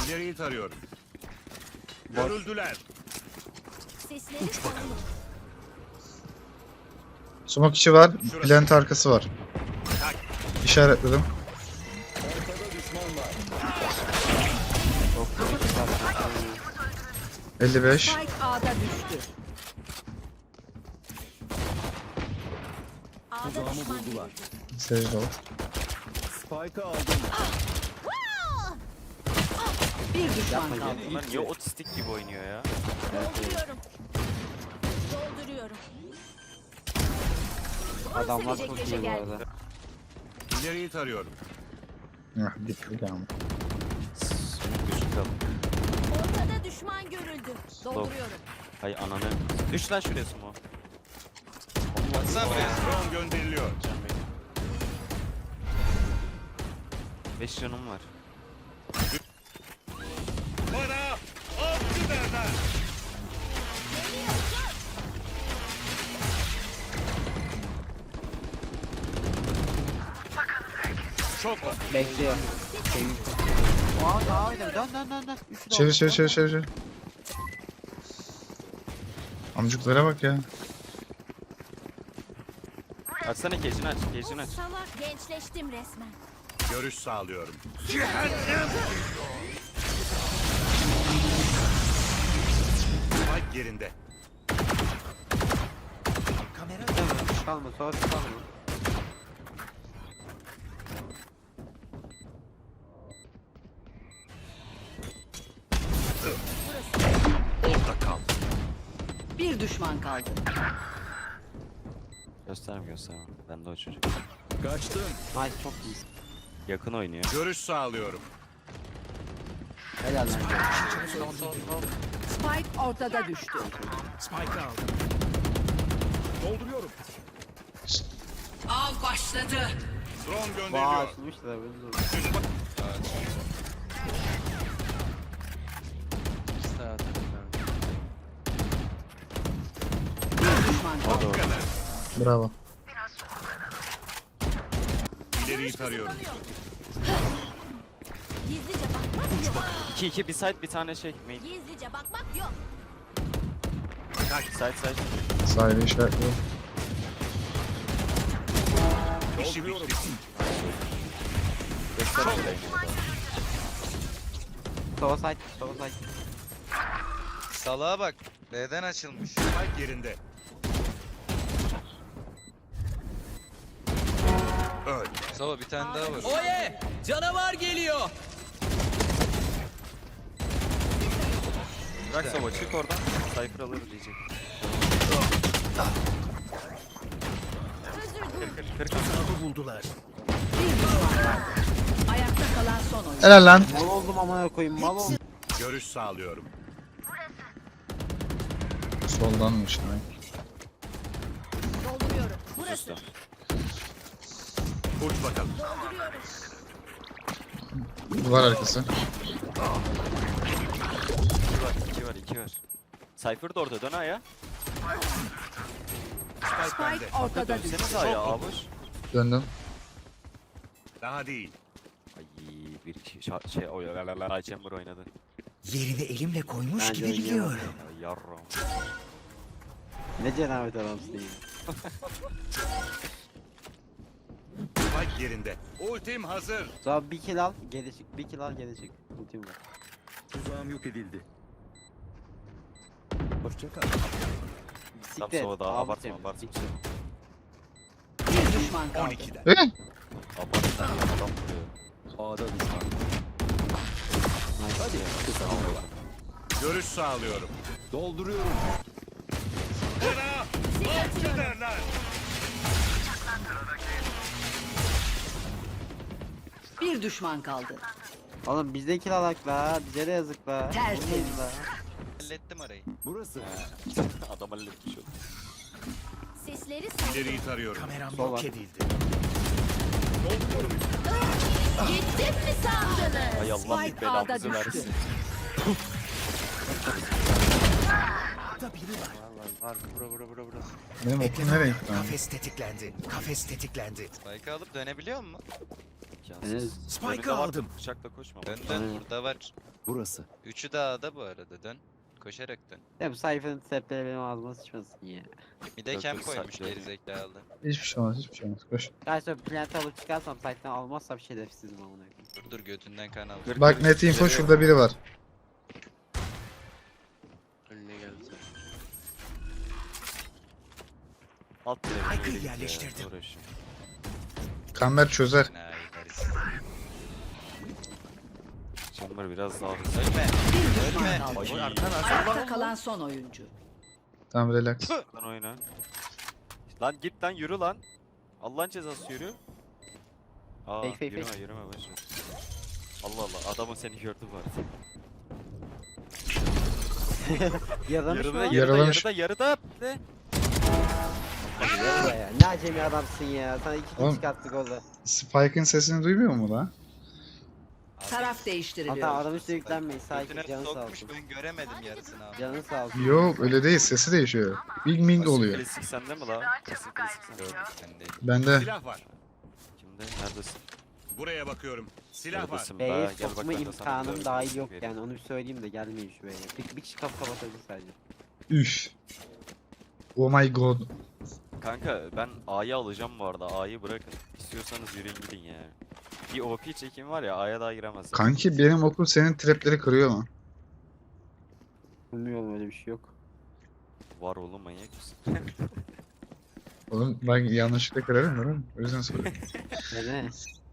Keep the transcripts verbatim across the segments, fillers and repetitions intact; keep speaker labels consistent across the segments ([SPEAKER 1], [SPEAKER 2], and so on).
[SPEAKER 1] İleriyi tarıyorum. Görüldüler.
[SPEAKER 2] Sesleri tanıdım.
[SPEAKER 3] Smoke içi var. Plant arkası var. İşaretledim. elli beş.
[SPEAKER 4] Spike A'da düştü.
[SPEAKER 2] Ağda düşman görüldü.
[SPEAKER 3] Secde ol.
[SPEAKER 5] Spike'ı aldım.
[SPEAKER 4] Bir düşman kaldı.
[SPEAKER 6] Bunlar niye otistik gibi oynuyor ya?
[SPEAKER 2] Dolduruyorum. Dolduruyorum.
[SPEAKER 7] Adamlar
[SPEAKER 2] Gece
[SPEAKER 7] çok
[SPEAKER 2] gece
[SPEAKER 7] iyi bu
[SPEAKER 2] geldi.
[SPEAKER 7] arada.
[SPEAKER 1] İleriyi tarıyorum.
[SPEAKER 3] Heh, bitti ama.
[SPEAKER 6] Gözük kalın.
[SPEAKER 2] Ortada düşman görüldü. Dolduruyorum.
[SPEAKER 6] Hay ananı. Düş lan şuraya sumo.
[SPEAKER 1] Baksana buraya. Drone gönderiliyor.
[SPEAKER 6] beş canım var.
[SPEAKER 1] Bana avcı derler. Çok
[SPEAKER 7] Bekliyor. Aa daha oynadım. Dön dön dön dön. Üçü de
[SPEAKER 3] Çevir
[SPEAKER 7] oldu.
[SPEAKER 3] çevir çevir çevir. çevir. Amcuklara bak ya.
[SPEAKER 6] Açsana cage'ini aç. Cage'ini aç.
[SPEAKER 2] Salak gençleştim resmen.
[SPEAKER 1] görüş sağlıyorum. Spike yerinde.
[SPEAKER 7] Tamam, kalma sonra kalma.
[SPEAKER 1] Orada kal.
[SPEAKER 4] Bir düşman kaldı.
[SPEAKER 6] Gösterme gösterme. Ben de o çocuk.
[SPEAKER 5] Kaçtım.
[SPEAKER 7] Nice çok iyisin.
[SPEAKER 6] Yakın oynuyor.
[SPEAKER 1] Görüş sağlıyorum.
[SPEAKER 7] Helal lan.
[SPEAKER 4] Spike ortada düştü.
[SPEAKER 5] Spike'ı aldım. Dolduruyorum.
[SPEAKER 4] Av başladı.
[SPEAKER 1] Drone
[SPEAKER 7] Vaa
[SPEAKER 1] gönderiliyor.
[SPEAKER 7] açılmış da böyle zor.
[SPEAKER 4] Bir düşman kaldı.
[SPEAKER 3] Bravo.
[SPEAKER 1] İleriyi tarıyorum.
[SPEAKER 2] Gizlice bakmak yok.
[SPEAKER 6] iki iki bir side bir tane şey. Main.
[SPEAKER 2] Gizlice bakmak yok.
[SPEAKER 6] Side side.
[SPEAKER 3] Sahibi işaretliyorum.
[SPEAKER 1] İşi bitti.
[SPEAKER 6] Göster şurayı.
[SPEAKER 7] Sola side. Sola side.
[SPEAKER 8] Salağa bak. B'den açılmış.
[SPEAKER 1] Spike yerinde. Öl.
[SPEAKER 8] Sava bir tane daha var.
[SPEAKER 5] Oye! Canavar geliyor.
[SPEAKER 6] Bırak Sova çık oradan. Cypher alır diyecek.
[SPEAKER 2] Özür dilerim.
[SPEAKER 6] Kır kır.
[SPEAKER 5] Hesabı buldular.
[SPEAKER 4] Bir düşman kaldı. Ayakta kalan son oyun.
[SPEAKER 3] Helal lan.
[SPEAKER 7] Mal oldum amına koyayım mal oldum.
[SPEAKER 1] Görüş sağlıyorum.
[SPEAKER 3] Soldanmış demek.
[SPEAKER 2] Dolduruyorum. Burası.
[SPEAKER 6] Usta.
[SPEAKER 1] Uç bakalım.
[SPEAKER 2] Dolduruyorum.
[SPEAKER 3] Duvar arkası.
[SPEAKER 6] iki var iki var iki var. Cypher da orada dön ayağa.
[SPEAKER 1] Spike bende.
[SPEAKER 4] Spike ortada düştü.
[SPEAKER 6] Dönseniz ayağa avuç.
[SPEAKER 3] Döndüm.
[SPEAKER 1] Daha değil.
[SPEAKER 6] Ay bir kişi şa- şey o Ay Chamber oynadı.
[SPEAKER 5] Yerini elimle koymuş
[SPEAKER 7] Bence
[SPEAKER 5] gibi
[SPEAKER 7] oynayamam.
[SPEAKER 5] biliyorum.
[SPEAKER 6] Ya yarram.
[SPEAKER 7] Ne cenabet adamsın ya.
[SPEAKER 1] Spike yerinde. Ultim hazır.
[SPEAKER 7] Sonra bir kill al geri çık. Bir kill al geri çık. Ultim var.
[SPEAKER 5] Tuzağım yok edildi. Hoşça kal.
[SPEAKER 6] Tam
[SPEAKER 7] Bisiklet.
[SPEAKER 6] Sova daha
[SPEAKER 7] abi
[SPEAKER 6] abartma
[SPEAKER 7] senin,
[SPEAKER 6] abartma.
[SPEAKER 7] bisiklet.
[SPEAKER 4] Bir düşman kaldı.
[SPEAKER 1] on ikiden.
[SPEAKER 3] Eh!
[SPEAKER 6] Abartma adam vuruyor.
[SPEAKER 5] A'da düşman. Hadi. Kısa hava.
[SPEAKER 1] Görüş sağlıyorum.
[SPEAKER 5] Dolduruyorum.
[SPEAKER 1] Bana avcı derler.
[SPEAKER 4] Bir düşman kaldı.
[SPEAKER 7] Oğlum bizde kill alak la. Bize de yazık la.
[SPEAKER 4] Tertemiz.
[SPEAKER 7] Vurmayın la.
[SPEAKER 8] Hallettim arayı.
[SPEAKER 5] Burası.
[SPEAKER 6] Adam halletmiş oldu.
[SPEAKER 2] Sesleri salıyorum.
[SPEAKER 1] İleriyi tarıyorum.
[SPEAKER 5] Kameram
[SPEAKER 7] Sol
[SPEAKER 5] yok
[SPEAKER 7] var.
[SPEAKER 5] edildi.
[SPEAKER 2] Gittim mi sandınız?
[SPEAKER 6] Ay Allah
[SPEAKER 4] Spike
[SPEAKER 6] bir
[SPEAKER 4] A'da
[SPEAKER 6] belamızı
[SPEAKER 4] düştü.
[SPEAKER 6] versin.
[SPEAKER 5] Burada biri var.
[SPEAKER 7] Vallahi var bura bura bura bura.
[SPEAKER 3] Benim okum nereye gitti lan?
[SPEAKER 5] Kafes tetiklendi. Kafes tetiklendi.
[SPEAKER 8] Spike'ı alıp dönebiliyor mu?
[SPEAKER 6] İmkansız.
[SPEAKER 7] Evet.
[SPEAKER 5] Spike'ı
[SPEAKER 6] Önünde var,
[SPEAKER 5] aldım.
[SPEAKER 6] Bıçakla koşma.
[SPEAKER 8] Dön dön
[SPEAKER 7] Aynen.
[SPEAKER 8] burada var.
[SPEAKER 5] Burası.
[SPEAKER 8] Üçü de A'da bu arada dön. Koşarak dön.
[SPEAKER 7] Ya bu sayfanın trapleri benim ağzıma sıçmasın ya.
[SPEAKER 8] Bir de
[SPEAKER 6] Yok,
[SPEAKER 8] kem
[SPEAKER 6] yok,
[SPEAKER 8] koymuş
[SPEAKER 6] saklı.
[SPEAKER 8] gerizekalı.
[SPEAKER 3] Hiçbir şey olmaz, hiçbir şey olmaz. Koş.
[SPEAKER 7] Gerçi plant'i alıp çıkarsam site'den almazsam şerefsizim amına koyayım.
[SPEAKER 8] Dur dur götünden kan al.
[SPEAKER 6] Kır,
[SPEAKER 3] Bak
[SPEAKER 6] kır,
[SPEAKER 3] net info
[SPEAKER 6] ileri
[SPEAKER 3] şurada biri var.
[SPEAKER 9] Önüne geldi.
[SPEAKER 6] Alt
[SPEAKER 5] Spike'ı
[SPEAKER 6] tarafına geri git ya,
[SPEAKER 5] yerleştirdim.
[SPEAKER 6] uğraş.
[SPEAKER 3] Kamber çözer.
[SPEAKER 8] Ay, herif.
[SPEAKER 6] Chamber biraz daha hızlı.
[SPEAKER 8] Ölme.
[SPEAKER 4] Bir düşman
[SPEAKER 8] Ölme.
[SPEAKER 4] kaldı.
[SPEAKER 6] Ay.
[SPEAKER 4] Ayakta kalan son oyuncu.
[SPEAKER 3] Tamam relax.
[SPEAKER 6] Lan oyna. Lan git lan yürü lan. Allah'ın cezası yürü. Aa
[SPEAKER 7] Fake, fake,
[SPEAKER 6] yürüme
[SPEAKER 7] fake.
[SPEAKER 6] yürüme boş ver. Allah Allah adamın seni gördü bu arada.
[SPEAKER 7] Yaralamış
[SPEAKER 6] Yarıda
[SPEAKER 7] mı?
[SPEAKER 6] yarıda
[SPEAKER 3] Yaralamış.
[SPEAKER 6] yarıda yarıda. Ne?
[SPEAKER 7] Yarala ya. Ne acemi adamsın ya. Sana iki
[SPEAKER 3] Oğlum.
[SPEAKER 7] kill çıkarttık orada.
[SPEAKER 3] Spike'ın sesini duymuyor mu lan?
[SPEAKER 4] Taraf değiştiriliyor.
[SPEAKER 7] Hatta adam üstüne yüklenmeyin. Sakin
[SPEAKER 8] Götüne
[SPEAKER 7] canı sağ
[SPEAKER 8] sokmuş
[SPEAKER 7] olsun.
[SPEAKER 8] ben göremedim yarısını abi.
[SPEAKER 7] Canı sağ olsun.
[SPEAKER 3] Yok öyle değil, sesi değişiyor. Big Ming
[SPEAKER 6] Asil
[SPEAKER 3] oluyor.
[SPEAKER 6] Klasik sende mi la? Asil klasik sende.
[SPEAKER 8] Gördüm sen de.
[SPEAKER 3] Bende.
[SPEAKER 1] Silah var.
[SPEAKER 6] Kimde? Neredesin?
[SPEAKER 1] Buraya bakıyorum. Silah var.
[SPEAKER 6] Neredesin
[SPEAKER 7] B'ye
[SPEAKER 6] be? Gel bak
[SPEAKER 7] sokma
[SPEAKER 6] ben de sana
[SPEAKER 7] imkanım
[SPEAKER 6] bir
[SPEAKER 7] dahil
[SPEAKER 6] dövüş
[SPEAKER 7] yok
[SPEAKER 6] vereyim.
[SPEAKER 7] yani onu bir söyleyeyim de gelmeyin şu B'ye. Bir, bir kişi kapı kapatabilir sadece.
[SPEAKER 3] Üf. Oh my god.
[SPEAKER 6] Kanka ben A'yı alacağım bu arada. A'yı bırakın. İstiyorsanız yürüyün gidin ya. Bir O P çekim var ya A'ya daha giremez.
[SPEAKER 3] Kanki benim okul senin trapleri kırıyor mu?
[SPEAKER 7] Bilmiyorum öyle bir şey yok.
[SPEAKER 6] Var oğlum manyak mısın?
[SPEAKER 3] Oğlum ben yanlışlıkla kırarım değil mi? O yüzden soruyorum.
[SPEAKER 7] Neden?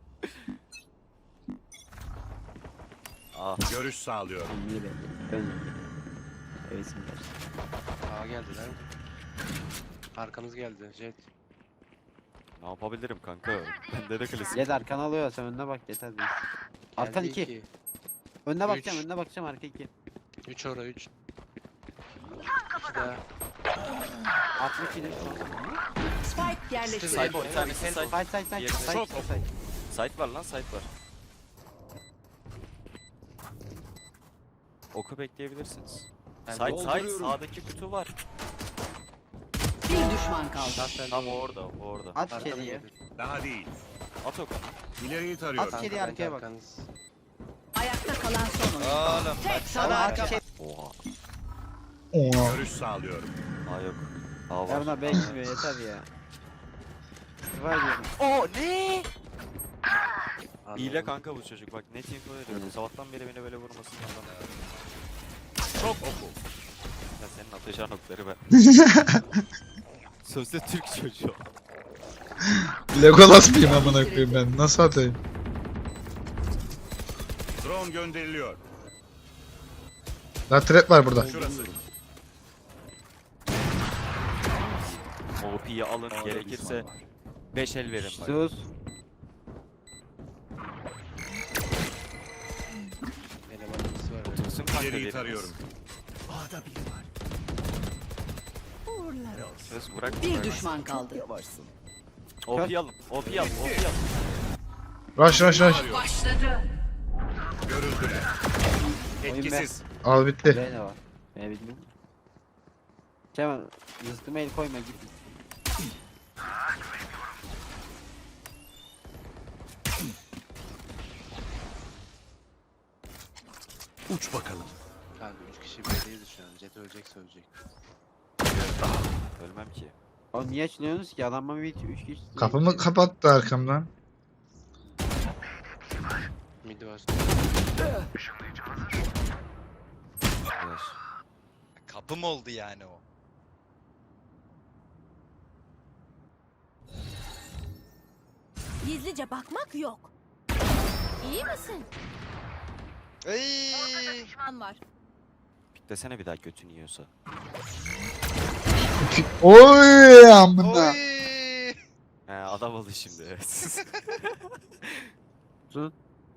[SPEAKER 6] Ah
[SPEAKER 1] Görüş sağlıyorum.
[SPEAKER 7] İyi be. Ön. Evet simler.
[SPEAKER 9] Aa geldiler. Arkamız geldi. Jet.
[SPEAKER 6] ne yapabilirim kanka? Bende de klasik.
[SPEAKER 7] Jet arkana alıyor sen önüne bak yeter değil. Arkan
[SPEAKER 9] Geldi
[SPEAKER 7] iki. Önüne bakacağım
[SPEAKER 9] Üç.
[SPEAKER 7] önüne bakacağım arka iki.
[SPEAKER 9] üç ora üç. İki daha.
[SPEAKER 7] altmış yedi.
[SPEAKER 4] Spike yerleştirildi.
[SPEAKER 6] Side bir tanesi side.
[SPEAKER 7] Side side side
[SPEAKER 6] Diğeri
[SPEAKER 7] side
[SPEAKER 1] Çok
[SPEAKER 7] side side.
[SPEAKER 6] Side var lan side var. Oku bekleyebilirsiniz.
[SPEAKER 9] Ben
[SPEAKER 6] Side side
[SPEAKER 5] dolduruyorum.
[SPEAKER 6] sağdaki kutu var.
[SPEAKER 4] Bir düşman kaldı.
[SPEAKER 6] Tam o orada o orada.
[SPEAKER 7] At
[SPEAKER 9] Arkamız
[SPEAKER 7] içeriye.
[SPEAKER 9] geldi.
[SPEAKER 1] Daha değil.
[SPEAKER 6] At oku.
[SPEAKER 1] İleriyi tarıyorum.
[SPEAKER 7] At. İçeriye,
[SPEAKER 9] Kanka,
[SPEAKER 7] arkaya bak.
[SPEAKER 9] arkanız.
[SPEAKER 4] Ayakta kalan son oyuncu.
[SPEAKER 8] Oğlum bak
[SPEAKER 7] Sana
[SPEAKER 8] sana
[SPEAKER 7] arka.
[SPEAKER 8] arka.
[SPEAKER 6] Oha.
[SPEAKER 3] Oha.
[SPEAKER 1] Görüş sağlıyorum.
[SPEAKER 6] A yok. A var.
[SPEAKER 7] Yarına B gitmiyor yeter ya. Var diyorum.
[SPEAKER 6] O ne?
[SPEAKER 9] Anladım.
[SPEAKER 6] Hile kanka bu çocuk bak net info veriyorum.
[SPEAKER 7] Evet.
[SPEAKER 6] Sabahtan beri beni böyle vurmasın adam.
[SPEAKER 1] Çok oku.
[SPEAKER 6] Ya senin atacağın okları ben. Sözde Türk çocuğu.
[SPEAKER 3] Legolas mıyım amına koyayım ben? Nasıl atayım?
[SPEAKER 1] Drone gönderiliyor.
[SPEAKER 3] La trap var burada.
[SPEAKER 1] Şurası.
[SPEAKER 6] O P'yi alın gerekirse beş el verin bak.
[SPEAKER 7] Sus.
[SPEAKER 9] Elemanımız var.
[SPEAKER 6] Tutsun kanka
[SPEAKER 1] İleriyi
[SPEAKER 6] biriniz.
[SPEAKER 1] tarıyorum.
[SPEAKER 5] A'da biri var.
[SPEAKER 6] Söz bırak.
[SPEAKER 4] Bir
[SPEAKER 6] bırak.
[SPEAKER 4] düşman kaldı.
[SPEAKER 5] Yavaşsın.
[SPEAKER 6] O P'yi alın. O P'yi alın. O P'yi alın.
[SPEAKER 3] Rush rush rush.
[SPEAKER 4] Başladı.
[SPEAKER 1] Görüldüler.
[SPEAKER 7] Oyun
[SPEAKER 1] Etkisiz.
[SPEAKER 3] Al bitti.
[SPEAKER 7] B ne var? B bilmiyorum. Kemal rızkıma el koyma git.
[SPEAKER 5] Uç bakalım.
[SPEAKER 9] Kanka üç kişi B'deyiz şu an. Jet ölecekse ölecek.
[SPEAKER 6] Ölmem ki.
[SPEAKER 7] Oğlum niye açılıyorsunuz ki? Adam bana bir üç kişi.
[SPEAKER 3] Kapımı kapattı arkamdan.
[SPEAKER 9] Midi var.
[SPEAKER 6] Arkadaş.
[SPEAKER 8] Kapım oldu yani o.
[SPEAKER 2] Gizlice bakmak yok. İyi misin?
[SPEAKER 8] Ay.
[SPEAKER 2] Düşman var.
[SPEAKER 6] Piklesene bir daha götün yiyorsa.
[SPEAKER 3] Oy amına.
[SPEAKER 8] Oy.
[SPEAKER 6] He adam oldu şimdi evet.
[SPEAKER 7] Sus.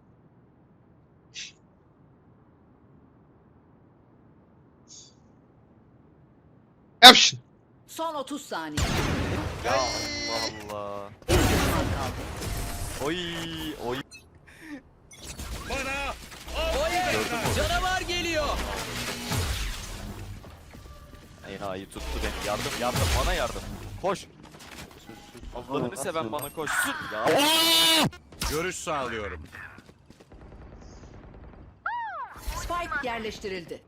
[SPEAKER 3] Yap şunu.
[SPEAKER 4] Son otuz saniye.
[SPEAKER 6] Ya Allah Allah.
[SPEAKER 4] Bir düşman kaldı.
[SPEAKER 6] Oy oy.
[SPEAKER 1] Bana.
[SPEAKER 6] Gördün mü?
[SPEAKER 5] Canavar geliyor.
[SPEAKER 6] Enayi tuttu beni. Yardım yardım bana yardım. Koş.
[SPEAKER 9] Sus sus.
[SPEAKER 6] Allah'ını
[SPEAKER 7] Nasıl?
[SPEAKER 6] seven bana koşsun ya.
[SPEAKER 1] Görüş sağlıyorum.
[SPEAKER 4] Spike yerleştirildi.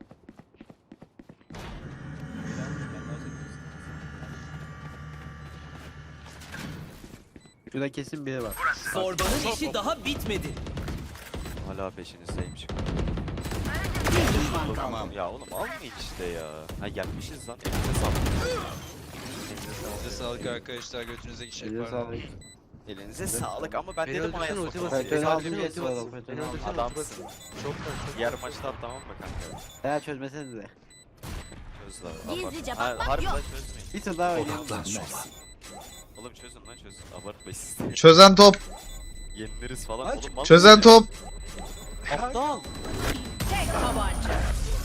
[SPEAKER 7] Şurada kesin biri var.
[SPEAKER 5] Zorbanın işi daha bitmedi.
[SPEAKER 6] Hala peşinizdeymiş.
[SPEAKER 4] Bir düşman kaldı.
[SPEAKER 8] Tamam.
[SPEAKER 6] Ya oğlum almayın işte ya. Ha gelmişiz lan. Elinize sağlık.
[SPEAKER 8] Size sağlık arkadaşlar. Götünüze işe
[SPEAKER 7] Eline
[SPEAKER 8] var.
[SPEAKER 7] sağlık.
[SPEAKER 6] Elinize sağlık ama ben
[SPEAKER 9] Beni
[SPEAKER 6] dedim A'ya
[SPEAKER 9] öldürsene, ulti
[SPEAKER 6] sokalım.
[SPEAKER 9] basayım.
[SPEAKER 7] Faytonu
[SPEAKER 9] Beni
[SPEAKER 7] aldım
[SPEAKER 9] öldürsene,
[SPEAKER 7] yeter
[SPEAKER 9] ulti
[SPEAKER 7] oğlum.
[SPEAKER 9] basayım.
[SPEAKER 7] Faytonu
[SPEAKER 9] Beni
[SPEAKER 7] aldım.
[SPEAKER 9] öldürsene, ulti
[SPEAKER 6] Adamsın.
[SPEAKER 9] basayım. Çok var, çok
[SPEAKER 6] Diğer maçta at tamam mı kanka?
[SPEAKER 7] Eğer çözmesenize.
[SPEAKER 6] Çöz lan.
[SPEAKER 2] Gizlice
[SPEAKER 6] abart. Ha,
[SPEAKER 2] bakmak
[SPEAKER 6] harbi
[SPEAKER 2] yok.
[SPEAKER 6] lan çözmeyin.
[SPEAKER 7] Bir tur daha oynayalım.
[SPEAKER 6] Oğlum çözün lan çözün. Abartmayın siz de.
[SPEAKER 3] Çözen top.
[SPEAKER 6] Yeniliriz falan. Oğlum mal
[SPEAKER 3] Çözen
[SPEAKER 6] mısın ya?
[SPEAKER 3] top.
[SPEAKER 5] Aptal.
[SPEAKER 4] Tek tabanca.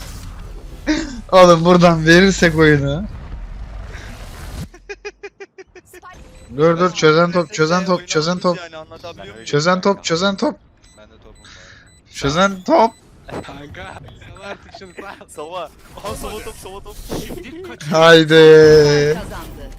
[SPEAKER 3] Oğlum buradan verirsek oyunu. Dur dur çözen top, çözen top, çözen top.
[SPEAKER 8] Yani anlatabiliyor muyum?
[SPEAKER 3] Çözen top, çözen top.
[SPEAKER 8] Ben de topum var.
[SPEAKER 3] Çözen top.
[SPEAKER 9] Kanka. Sal artık şunu sal.
[SPEAKER 6] Sova. Aha sova top sova top.
[SPEAKER 3] Haydi.
[SPEAKER 4] Kazandı.